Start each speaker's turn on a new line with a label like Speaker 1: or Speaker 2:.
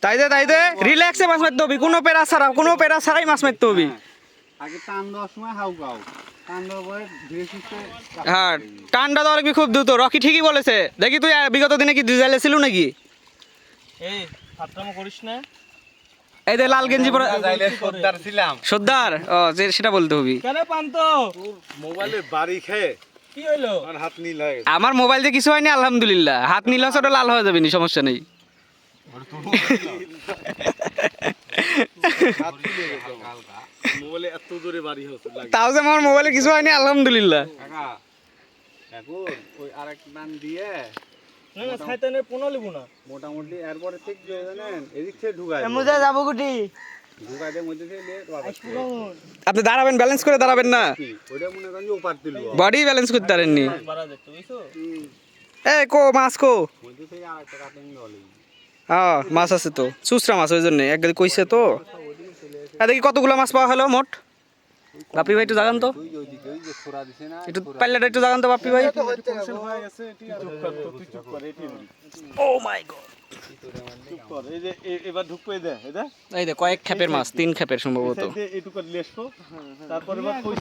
Speaker 1: তাই দে রিল্যাক্সে মাছ মারতে হবে, কোনো পেরা ছাড়াই মাছ মারতে হবে।
Speaker 2: আগে টান দেওয়ার সময় হাউকাও, টান দেওয়ার পরে ধীরে সুস্থে
Speaker 1: হ্যাঁ টানটা দেওয়া লাগবে খুব দ্রুত। রকি ঠিকই বলেছে। দেখি তুই বিগত দিনে কি ডিজাইলে ছিল নাকি?
Speaker 3: এই ফাটরামো করিস না।
Speaker 1: এই যে লাল গেঞ্জি পরে
Speaker 2: যাইলে সর্দার ছিলাম।
Speaker 1: সর্দার, ও সেটা বলতে হবে।
Speaker 3: কেন পান্ত
Speaker 2: মোবাইলের বাড়ি খেয়ে
Speaker 3: কি হইলো?
Speaker 2: আমার হাত নীল হয়ে গেছে।
Speaker 1: আমার মোবাইল দিয়ে কিছু হয়নি আলহামদুলিল্লাহ। হাত নীল হচ্ছে ওটা লাল হয়ে যাবে, সমস্যা নেই।
Speaker 2: হাত ফুলে গেছে হালকা। মোবাইলে এত জোরে বাড়ি হচ্ছে লাগে।
Speaker 1: তাও যে আমার মোবাইলে কিছু হয়নি আলহামদুলিল্লাহ।
Speaker 2: কাকা এখন ওই আরেক টান দিয়ে
Speaker 3: না না শয়তানের পোনা লিবো না।
Speaker 2: মোটামুটি এরপরে ঠিক যে জানেন এদিক থেকে ঢুকায়
Speaker 3: মুজা যাবো গুটি।
Speaker 2: ঢুকায় দিয়ে মধ্যে থেকে নিয়ে
Speaker 1: আপনি দাঁড়াবেন, ব্যালেন্স করে দাঁড়াবেন না,
Speaker 2: ওইটা মনে করেন যে ওপার দিল
Speaker 1: বডি ব্যালেন্স করতে পারেননি।
Speaker 3: বাড়া দেখতে বুঝছো?
Speaker 1: এ কো মাছ কো?
Speaker 2: মধ্যে থেকে আরেকটা কাটিং হলো
Speaker 1: হ্যাঁ মাছ আছে তো, চুচরা মাছ, ওই জন্য একদিকে কইছে তো। দেখি কতগুলো মাছ পাওয়া হলো মোট। বাপি ভাই একটু জাগান তো,
Speaker 2: তুই ওইদিকে ওই যে ছোড়া দিছে না
Speaker 1: একটু পাল্লাটা একটু জাগান তো বাপি ভাই।
Speaker 2: হয়ে গেছে তুই চুপ কর এটি
Speaker 1: ও মাই গড,
Speaker 2: চুপ কর এই যে এবার ঢুকবে দে
Speaker 1: এই দে কয়েক খেপের মাছ, 3 খেপের সম্ভবত।
Speaker 2: এটুকু লেসো তারপরে এবার